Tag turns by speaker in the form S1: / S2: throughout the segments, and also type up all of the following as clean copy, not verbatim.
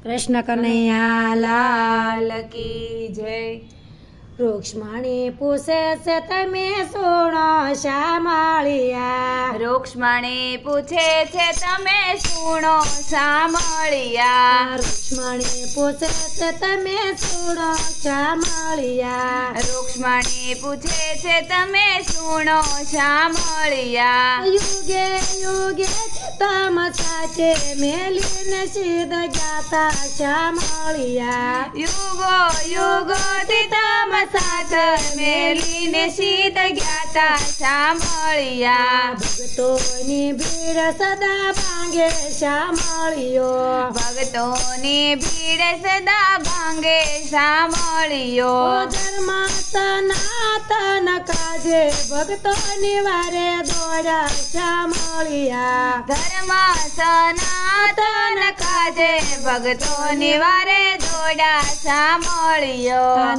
S1: કૃષ્ણ કનૈયા લાલ
S2: કી જય.
S1: રૂક્ષ્મણી પૂછે છે તમે સુણો શામળિયા.
S2: રૂક્ષ્મણી પૂછે છે તમે સુણો સાંભળ્યા.
S1: રૂક્ષ્મણી પૂછે છે તમે સુણો શામળિયા.
S2: રૂક્ષ્મણી પૂછે છે તમે સુણો સાંભળ્યા.
S1: યુગે યુગે તમ સાથે મેલીને સિદ્ધ ગાતા શામળિયા.
S2: યુગો યુગોથી તમ સાથ મેલીને સીધ જ્ઞાતા સાંભળ્યા.
S1: ભક્તોની ભીડ સદા ભાંગે શામળિયો.
S2: ભક્તોની ભીડ સદા ભાંગે સાંભળ્યો.
S1: ધર્મ સનાતન કાજે ભક્તોની વારે દોડા શામળિયા.
S2: ધર્મ સનાતન કાજે ભક્તોની વારે દોડા સાંભળ્યો.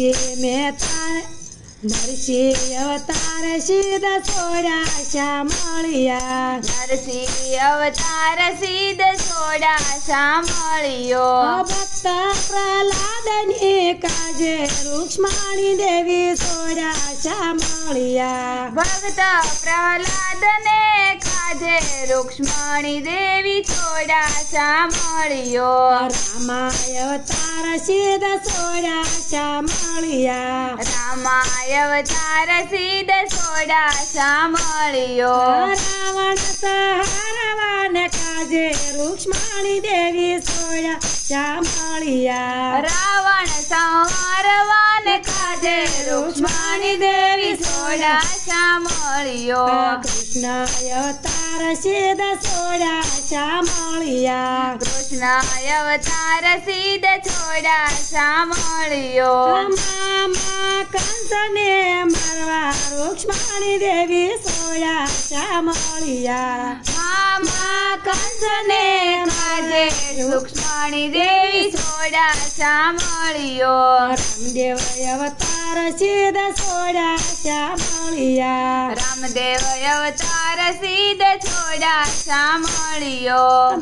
S1: નરસિંહ અવતાર સિદ્ધ સોડા શામળિયા.
S2: નરસિંહ અવતાર સિદ્ધ સોડા સાંભળ્યો.
S1: ભક્ત પ્રહલાદની કાજે રૂક્ષ્મણી દેવી સોડા શામળિયા.
S2: ભક્ત પ્રહલાદને કાજે રૂક્ષ્મણી દેવી સોડા સાંભળ્યો.
S1: રામાય અવતાર સિદ્ધ સોડા શામળિયા.
S2: રામાય અવતાર સિદ્ધ સોડા સાંભળ્યો.
S1: રાવણ સંહારવાને કાજે રૂક્ષ્મણી દેવી સોડા શામળિયા.
S2: રાવણ સંહારવાને કાજે રૂક્ષ્મણી દેવી સોડા સાંભળ્યો.
S1: કૃષ્ણ અવતાર સિદ્ધ સોડા શામળિયા.
S2: કૃષ્ણ અવતાર સિદ્ધ સોડા સાંભળ્યો.
S1: મામા કંસને મારવા રૂક્ષ્મણી દેવી સોડા શામળિયા.
S2: મામા કંસને કાજે રૂક્ષ્મણી દેવી સોડા સાંભળ્યો.
S1: રામદેવ અવતાર સિદ્ધ સોડા શામળિયા.
S2: રામદેવ અવતાર સિદ્ધ સોડા સાંભળ્યો.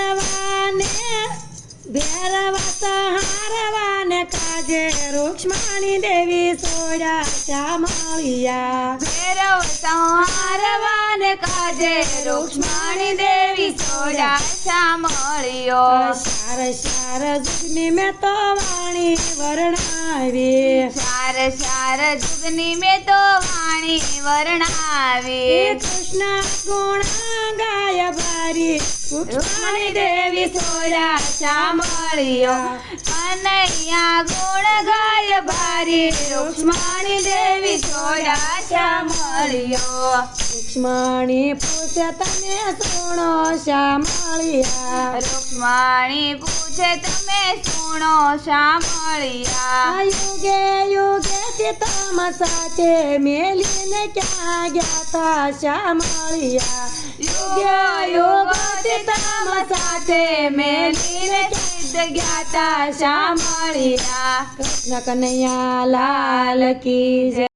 S1: ભૈરવા સંહારવાને કાજે રૂક્ષ્મણી દેવી સોડા શામળિયા.
S2: ભૈરવ સંહારવાને કાજે રૂક્ષ્મણી દેવી સોડા સાંભળ્યો.
S1: શાર શાર જુગની મેં તો વાણી વર્ણાવી.
S2: સાર સાર જુગની મેં તો વાણી વર્ણાવી.
S1: કૃષ્ણ ગુણ ગાય ભારી રૂક્ષ્મણી દેવી સોડા શામળિયા.
S2: કનૈયા ગુણ ગાય ભારી રૂક્ષ્મણી દેવી સોડા સાંભળ્યો.
S1: રૂક્ષ્મણી પૂછે તમે સુણો શામળિયા.
S2: રૂક્ષ્મણી પૂછે તમે સુણો સાંભળ્યા.
S1: યુગે યુગે તમ સાથે મેલીને ક્યાં ગયા શામળિયા.
S2: યુગ યુગથી તમ સાથે મેલીને સિદ્ધ જ્ઞાતા સાંભળ્યા.
S1: કૃષ્ણ કનૈયા લાલ કી જય.